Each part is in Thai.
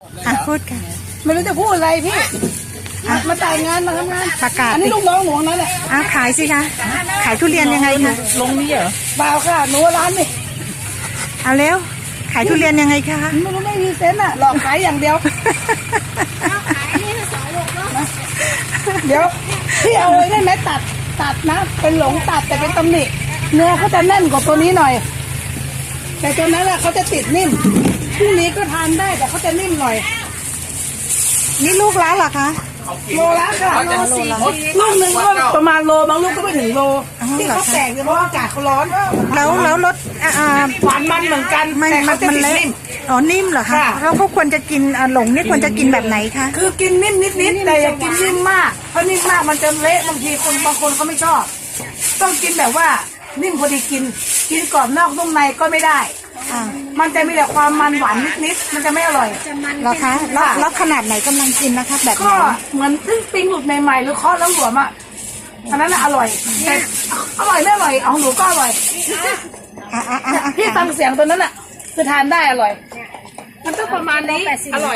พูดกันไม่รู้จะพูดอะไรพี่มาจ่ายงานมาทำงานประกาศอันนี้ลูกน้องหนูนั่นแหละขายสิคะขายทุเรียนยังไงคะลงนี้เหรอเปล่าค่ะหนูร้านนี่เอาเร็วขายทุเรียนยังไงคะไม่รู้ไม่มีเซนต์หลอกขายอย่างเดียวขายนี่2 โลนะเดี๋ยวพี่เอาเลยได้ไหมตัดนะเป็นหลงตัดแต่เป็นตำหนิเนื้อเขาจะแน่นกว่าตัวนี้หน่อยแต่ตัวนั้นแหละเขาจะติดนิ่มพรุ่งนี้ก็ทานได้แต่เขาจะนิ่มหน่อยนี่ลูกละเหรอคะโลละค่ะลูกหนึ่งก็ประมาณโลบางลูกก็ไม่ถึงโลที่เขาแตกเพราะอากาศเขาร้อนแล้วรสหวานมันเหมือนกันแต่เขาจะติดนิ่มนิ่มเหรอคะแล้วเขาควรจะกินหลงนี่ควรจะกินแบบไหนคะคือกินนิ่มนิดแต่อย่ากินนิ่มมากเพราะนิ่มมากมันจะเละบางทีบางคนเขาไม่ชอบต้องกินแบบว่านิ่มพอดีกินกรอบนอกนุ่มในก็ไม่ได้มันจะมีแต่ความมันหวานนิดมันจะไม่อร่อยเหรอคะแล้วขนาดไหนกำลังกินนะคะแบบก็เหมือนเพิ่งปิ้งหลุดใหม่ๆหรือเคาะแล้วหลวมอ่ะอันนั้นอร่อยแต่อร่อยไม่อร่อยของหนูก็อร่อยพี่ฟังเสียงตัวนั้นอ่ะคือทานได้อร่อยมันต้องประมาณนี้อร่อย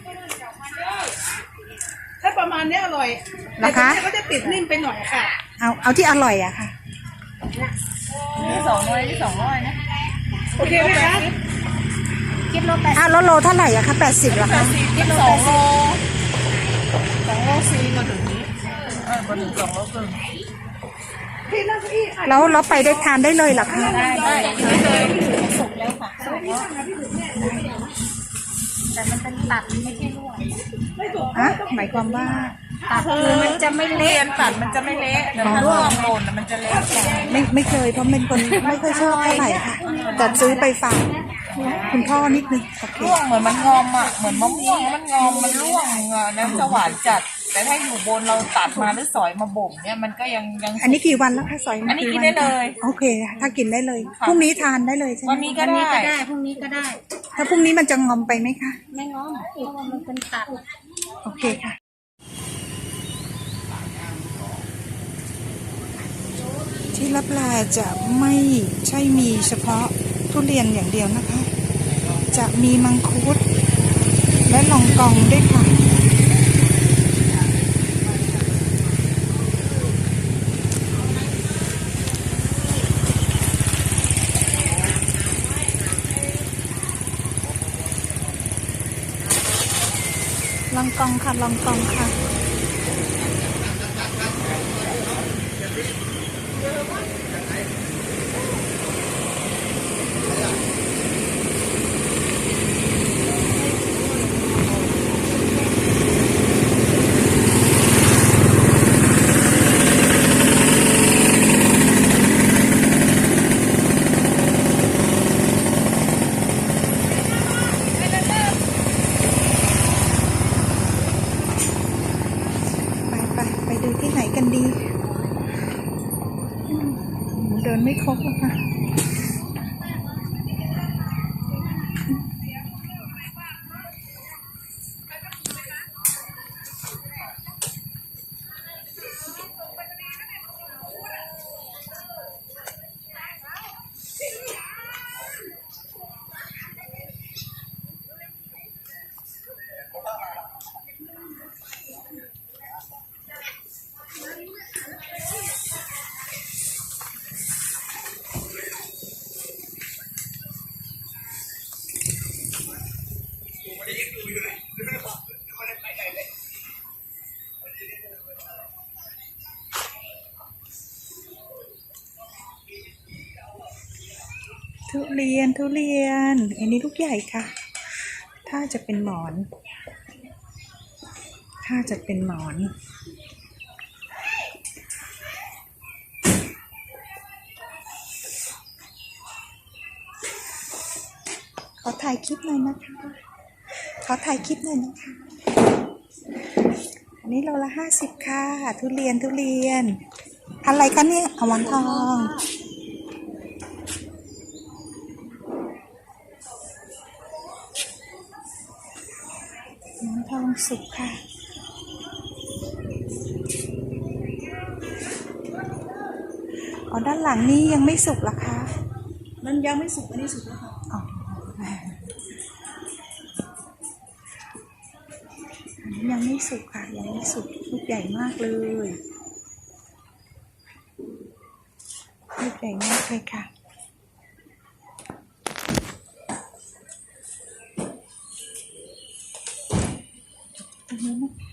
ถ้าประมาณนี้อร่อยนะคะก็จะติดนิ่มไปหน่อยค่ะเอาที่อร่อยอะค่ะนี่200นะโอเคไหมคะคิดโล80แล้วโลเท่าไหร่อะคะ80เหรอคะคิด2 โล4มาถึงนี้มาถึง2 โลครึ่งพี่นั่งที่แล้วไปได้ทานได้เลยเหรอคะได้เลยสุกแล้วค่ะแต่มันเป็นตัดไม่ใช่ลวกหมายความว่าตัดคือมันจะไม่เละตัดมันจะไม่เละแต่ถ้าร่วงหล่นมันจะเละไม่เคยเพราะเป็นคนไม่ค่อยชอบเท่าไหร่ค่ะแต่ซื้อไปฝากคุณพ่อนิดนึงร่วงเหมือนมันงอมอ่ะเหมือนมะม่วงมันงอมมันร่วงน้ำจะหวานจัดแต่ถ้าอยู่บนเราตัดมาหรือสอยมาบ่มเนี่ยมันก็ยังอันนี้กี่วันแล้วคะสอยอันนี้กินได้เลยโอเคถ้ากินได้เลยพรุ่งนี้ทานได้เลยใช่ไหมวันนี้ก็ได้พรุ่งนี้ก็ได้ถ้าพรุ่งนี้มันจะงอมไปไหมคะไม่งอมเพราะว่ามันเป็นตัดโอเคค่ะที่ลับลาจะไม่ใช่มีเฉพาะทุเรียนอย่างเดียวนะคะจะมีมังคุดและลองกองด้วยค่ะลองกองค่ะลองกองค่ะไปดูที่ไหนกันดีเดินไม่ครบอะค่ะทุเรียนอันนี้ลูกใหญ่ค่ะถ้าจะเป็นหมอนขอถ่ายคลิปหน่อยนะคะอันนี้โลละ50ค่ะทุเรียนอะไรคะเนี่ยหมอนทองทองสุกค่ะด้านหลังนี้ยังไม่สุกหรอคะมันยังไม่สุกอันนี้สุกแล้วค่ะยังไม่สุกค่ะยังไม่สุกลูกใหญ่มากเลยลูกใหญ่มากเลยค่ะตรงนี้นะ